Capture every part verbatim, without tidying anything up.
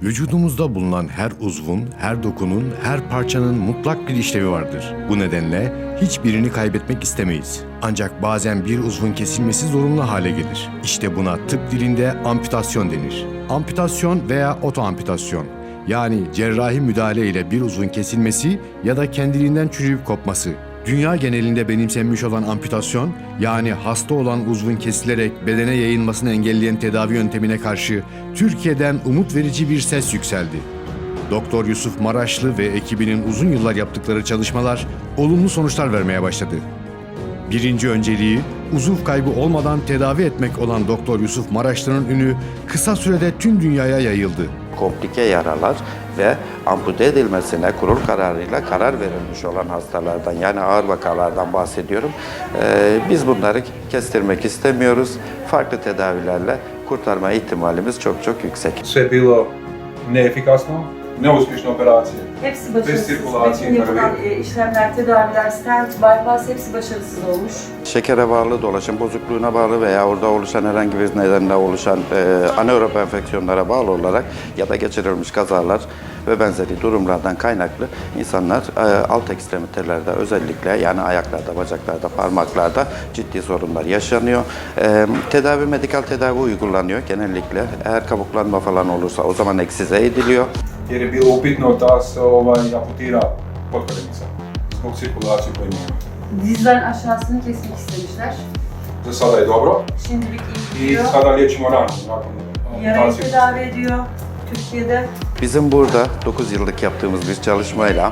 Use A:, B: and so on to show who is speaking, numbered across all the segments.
A: Vücudumuzda bulunan her uzvun, her dokunun, her parçanın mutlak bir işlevi vardır. Bu nedenle hiçbirini kaybetmek istemeyiz. Ancak bazen bir uzvun kesilmesi zorunlu hale gelir. İşte buna tıp dilinde amputasyon denir. Amputasyon veya otoamputasyon, yani cerrahi müdahale ile bir uzvun kesilmesi ya da kendiliğinden çürüyüp kopması. Dünya genelinde benimsenmiş olan amputasyon, yani hasta olan uzvun kesilerek bedene yayılmasını engelleyen tedavi yöntemine karşı Türkiye'den umut verici bir ses yükseldi. Doktor Yusuf Maraşlı ve ekibinin uzun yıllar yaptıkları çalışmalar olumlu sonuçlar vermeye başladı. Birinci önceliği, uzuv kaybı olmadan tedavi etmek olan Doktor Yusuf Maraşlı'nın ünü kısa sürede tüm dünyaya yayıldı.
B: Komplike yaralar ve ampute edilmesine kurul kararıyla karar verilmiş olan hastalardan, yani ağır vakalardan bahsediyorum. Ee, biz bunları kestirmek istemiyoruz. Farklı tedavilerle kurtarma ihtimalimiz çok çok yüksek.
C: Sve je bilo neefikasno, neuspješne operacije.
D: Hepsi
C: Bez
D: başarısız.
C: sirkülasyon
D: Bütün yapılan
C: tabii.
D: e, işlemler, tedaviler, stent, bypass hepsi başarısız olmuş.
B: Şekere bağlı, dolaşım bozukluğuna bağlı veya orada oluşan herhangi bir nedenle oluşan e, anaerob enfeksiyonlara bağlı olarak ya da geçirilmiş kazalar ve benzeri durumlardan kaynaklı insanlar e, alt ekstremitelerde özellikle, yani ayaklarda, bacaklarda, parmaklarda ciddi sorunlar yaşanıyor. E, tedavi, medikal tedavi uygulanıyor genellikle. Eğer kabuklanma falan olursa o zaman eksize ediliyor.
C: Jer je bilo upitno da se ovaj, amputira potkoljnica zbog cirkulacije koje imamo.
D: Dizden aşağısını kesmek istemişler.
C: Za sada je dobro
D: Şimdilik iyi
C: i
D: gidiyor.
C: sada liječimo ranu nakon
D: Yarayı
C: amputacije.
D: tedavi ediyor Türkiye'de.
B: Bizim burada dokuz yıllık yaptığımız bir çalışmayla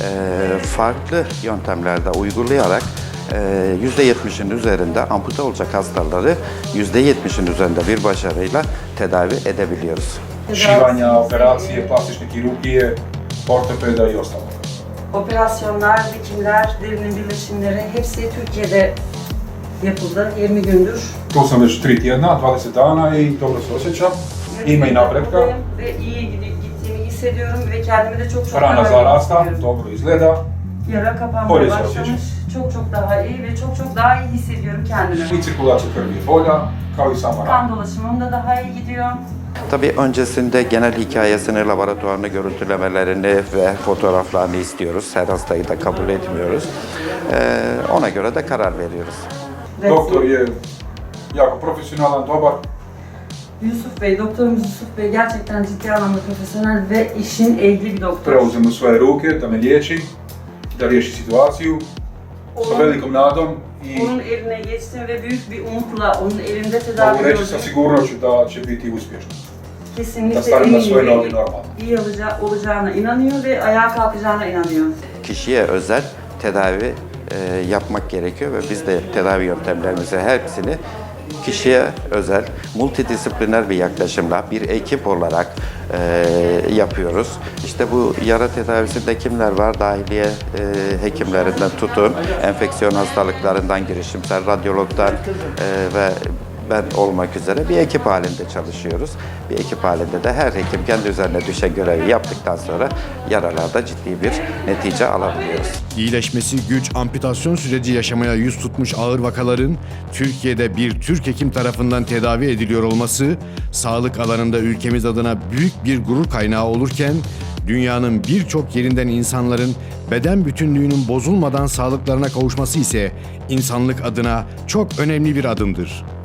B: e, farklı yöntemlerde uygulayarak e, yüzde yetmişin üzerinde ampute olacak hastaları yüzde yetmişin üzerinde bir başarıyla tedavi edebiliyoruz.
C: Šivanja, operacije, plastične kirurgije, ortopeda i ostalo.
D: Operasyonlar, dikimler, derinin birleşimleri hepsi Türkiye'de yapıldı yirmi gündür.
C: Tu sam već tri tjedna, dvadeset dana i dobro se osjećam. Ima i napretka.
D: Ve iyi gidi- gittiğimi hissediyorum ve kendimi de çok çok
C: Rana
D: daha iyi
C: zarasta,
D: hissediyorum.
C: dobro izgleda.
D: Yara kapanmaya
C: Polis
D: başlamış.
C: osjećam.
D: Çok çok daha iyi ve çok çok daha iyi hissediyorum kendimi.
C: I cirkulacija krvi je bolja, kao i sama rana.
D: Kan dolaşımım da daha iyi gidiyor.
B: Tabii öncesinde genel hikayesini, laboratuvarını, görüntülemelerini ve fotoğraflarını istiyoruz. Her hastayı da kabul etmiyoruz. E, ona göre de karar veriyoruz.
C: Doktor je jako profesionalan, dobar.
D: Yusuf Bey, doktorumuz Yusuf Bey gerçekten ciddi anlamda profesyonel ve işin ehli bir doktor.
C: Preuzem u svoje ruke da me liječi, da riješi situaciju sa
D: Onun,
C: velikom nadom i
D: onun eline geçtim ve büyük bir umutla onun elinde tedavi
C: mogu reći sa
D: gördüm.
C: sigurnošću da će biti uspješno. Da
D: Kesinlikle
C: stane na svoje
D: eminim
C: noge
D: ve
C: normalno.
D: iyi olaca- olacağına inanıyor ve ayağa kalkacağına inanıyor.
B: Kişiye özel tedavi e, yapmak gerekiyor ve biz de tedavi yöntemlerimizi hepsini kişiye özel, multidisipliner bir yaklaşımla bir ekip olarak e, yapıyoruz. İşte bu yara tedavisinde kimler var? Dahiliye e, hekimlerinden tutun, enfeksiyon hastalıklarından girişimsel radyologdan e, ve ben olmak üzere bir ekip halinde çalışıyoruz. Bir ekip halinde de her hekim kendi üzerine düşen görevi yaptıktan sonra yaralarda ciddi bir netice alabiliyoruz.
A: İyileşmesi güç amputasyon süreci yaşamaya yüz tutmuş ağır vakaların Türkiye'de bir Türk hekim tarafından tedavi ediliyor olması, sağlık alanında ülkemiz adına büyük bir gurur kaynağı olurken, dünyanın birçok yerinden insanların beden bütünlüğünün bozulmadan sağlıklarına kavuşması ise insanlık adına çok önemli bir adımdır.